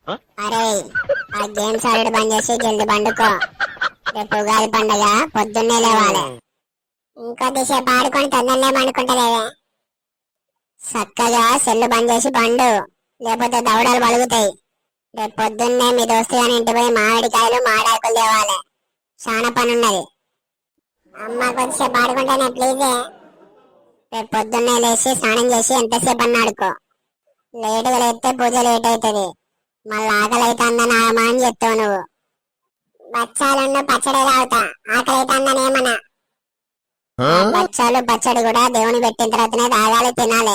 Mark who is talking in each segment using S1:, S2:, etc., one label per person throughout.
S1: అరే ఆ గేమ్స్ ఆడడం బంద్ చేసి జల్ది పండుకో. రేపు ఉగాది పండగ, పొద్దున్నే లేవాలి. ఇంకొద్దిసేపు ఆడుకొని తొందరనే పండుకుంటలేవే. చక్కగా సెల్లు బంద్ చేసి పండు, లేకపోతే దవడలు పలుగుతాయి. రేపు పొద్దున్నే మీ దోస్తు గాని ఇంటి పోయి మామిడికాయలు మామిడాకులు తేవాలి. చాలా పని ఉన్నది. అమ్మ కొద్దిసేపు ఆడుకుంటేనే ప్లీజే. రేపు పొద్దున్నే లేచి స్నానం చేసి ఎంతసేపు అన్న ఆడుకో. లేటుగా లేస్తే పూజ లేట్ అవుతుంది. మళ్ళీ ఆకలి అవుతుందని ఆగమని చెప్తావు నువ్వు. బచ్చాలున్న పచ్చడి తాగుతా, ఆకలి అవుతుందని ఏమన్నా. బచ్చాలు పచ్చడి కూడా దేవుని పెట్టిన తర్వాతనే తాగాలి, తినాలి.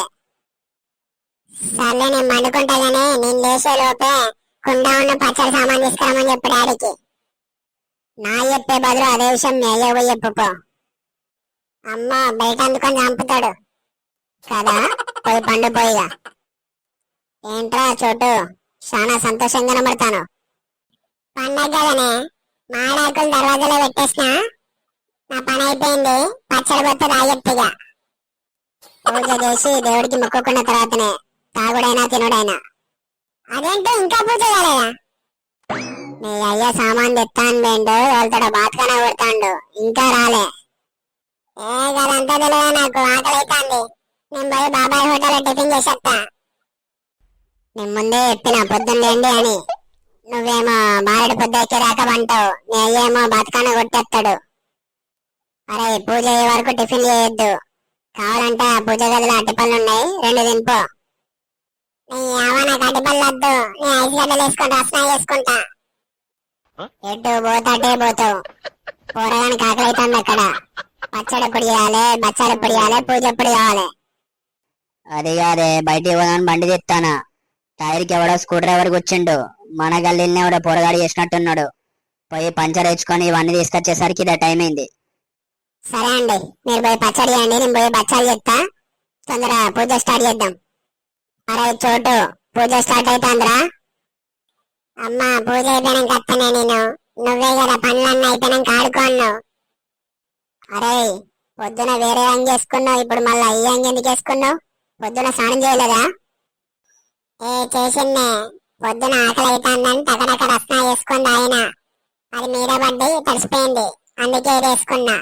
S1: సర్లే నేను మండుకుంటా గానీ నేను లేచే లోపే కుండ ఉన్న పచ్చడి సామాన్ తీసుకురామని చెప్పు డాడీకి. నా చెప్పే బదులు అదే విషయం మీ అయ్య పోయి చెప్పుకో. అమ్మ బయట అందుకొని చంపుతాడు కదా. పోయి పండు పోయిగా. ఏంట్రా చోటు, చాలా సంతోషంగా కనబడతాను. పండగ కదనే, మామిడాకులు దర్వాజాలో పెట్టేసిన. నా పని అయిపోయింది. పచ్చడి బొత్త తాగెత్తిగా. పూజ చేసి దేవుడికి మొక్కుకున్న తర్వాతనే తాగుడైనా తినుడైనా. అదేంటో ఇంకా పూజ కాలేదా? నీ అయ్య సామాన్ తెత్తాను బేండు, వెళ్తాడు బాత్కన కొడతాండు, ఇంకా రాలే. కదంతా తెలియదా నాకు, ఆకలి అవుతాంది. నేను పోయి బాబాయ్ హోటల్లో టిఫిన్ చేసేస్తా. నేను ముందే చెప్పిన పొద్దున్నేండి అని. నువ్వేమో బారెడు పొద్దు ఎక్కేదాకా పంటావు, నీ అయ్యేమో బతకాన కొట్టేస్తాడు. అరే పూజ అయ్యే వరకు టిఫిన్ చేయొద్దు. కావాలంటే ఆ పూజ గదిలో అట్టిపళ్ళు ఉన్నాయి, 2 తినిపో. నీ అవ్వ నాకు అట్టిపళ్ళు వద్దు, నీ 5 గడ్డలు వేసుకొని రసన చేసుకుంటా. ఎటు పోతాటే పోతావు. పోరగానికి ఆకలి అవుతుంది అక్కడ. పచ్చడి ఎప్పుడు చేయాలి, బచ్చాలు ఎప్పుడు చేయాలి, పూజ ఎప్పుడు కావాలి.
S2: అది కాదే, బయటికి పోదామని బండి తెస్తానా. టైర్కి ఎవడో స్క్రూ డ్రైవర్కి వచ్చిండు. మన గల్లీనే ఎవడో పొరగాడు చేసినట్టున్నాడు. పోయి పంచర్ వేసుకొని ఇవన్నీ తీసుకొచ్చేసరికి ఇదే టైం అయింది.
S1: సరే అండి, మీరు పోయి పచ్చడి చేయండి, నేను పోయి బచ్చాలు చెప్తా. తొందర పూజ స్టార్ట్ చేద్దాం. అరే చోటు, పూజ స్టార్ట్ అవుతాందిరా. అమ్మా పూజ అయిపోయినాక వస్తానే నేను. నువ్వే కదా పనులన్నీ అయిపోయినాక ఆడుకోన్నావు. అరే పొద్దున వేరే అంగి వేసుకున్నావు, ఇప్పుడు మళ్ళీ ఈ అంగి ఎందుకు వేసుకున్నావు? పొద్దున స్నానం చేయలేదా? చేసిందే. పొద్దున ఆకలి అవుతుందని టకటక రసన వేసుకొని తాగిన. అది మీద పడ్డి తడిసిపోయింది, అందుకే ఇది వేసుకున్నా.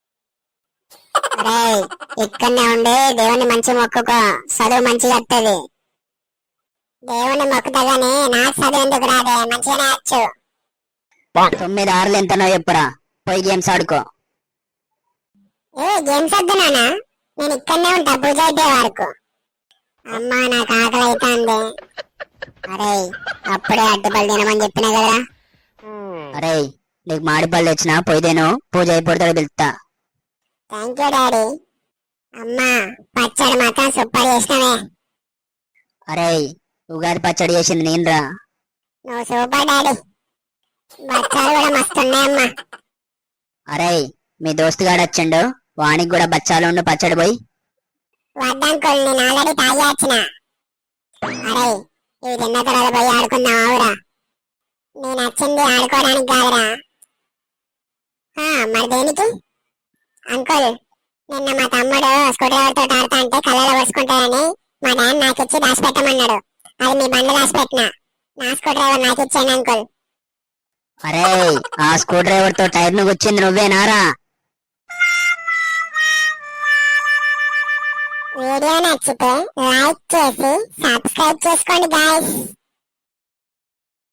S1: అరే ఇక్కడనే ఉండి దేవుని మంచి మొక్కుకో, చదువు మంచిగా వస్తుంది. దేవుని మొక్కుతా గానీ నాకు చదువు ఎందుకు రాదే, మంచిగానే వచ్చు.
S2: 9 ఆరులు ఎంతనో చెప్పురా, పోయి గేమ్స్ ఆడుకో.
S1: గేమ్స్ వద్దు నాన్న, నేను ఇక్కడనే ఉంటా పూజ అయిపోయే వరకు. అమ్మా నాకు ఆకలి అవుతుంది. అరే అప్పుడే అడ్డుపల్లి తినమని చెప్పినా కదరా.
S2: అరే నీకు మాడిపళ్ళు తెచ్చినా, పోయిదేను. పూజ అయిపోతాడు పిలుస్తా.
S1: Thank you daddy. అమ్మా పచ్చడి మాత్రం సూపర్ చేసినవే.
S2: అరే ఉగాది పచ్చడి చేసింది నేనురా.
S1: నువ్వు సూపర్ డాడీ. బచ్చాలు కూడా మస్తున్నాయమ్మా.
S2: అరే మీ దోస్తుగాడు వచ్చిండు, వానికి కూడా బచ్చాలు ఉండు పచ్చడి పోయి.
S1: వద్దంకుల్, నేను ఆల్రెడీ తాగి వచ్చిన. అరే ఇవి తిన్న తర్వాత పోయి ఆడుకుందాం ఆవురా. నేను వచ్చింది ఆడుకోవడానికి కాదురా. మరి దేనికి? అంకుల్ నిన్న మా తమ్ముడు స్కూటర్ తో ఆడుతా అంటే కళ్ళలో వరుసుకుంటాడని మా డాడీ నాకు ఇచ్చి దాచిపెట్టమన్నాడు. అది మీ బండి దాచిపెట్టిన. నా స్కూటర్ డ్రైవర్ నాకు ఇచ్చాను అంకుల్.
S2: అరే ఆ స్క్రూ డ్రైవర్ తో టైర్ ను వచ్చింది నువ్వేనారా?
S1: వీడియో నచ్చితే లైక్ చేసి సబ్స్క్రైబ్ చేసుకోండి గాయ్స్.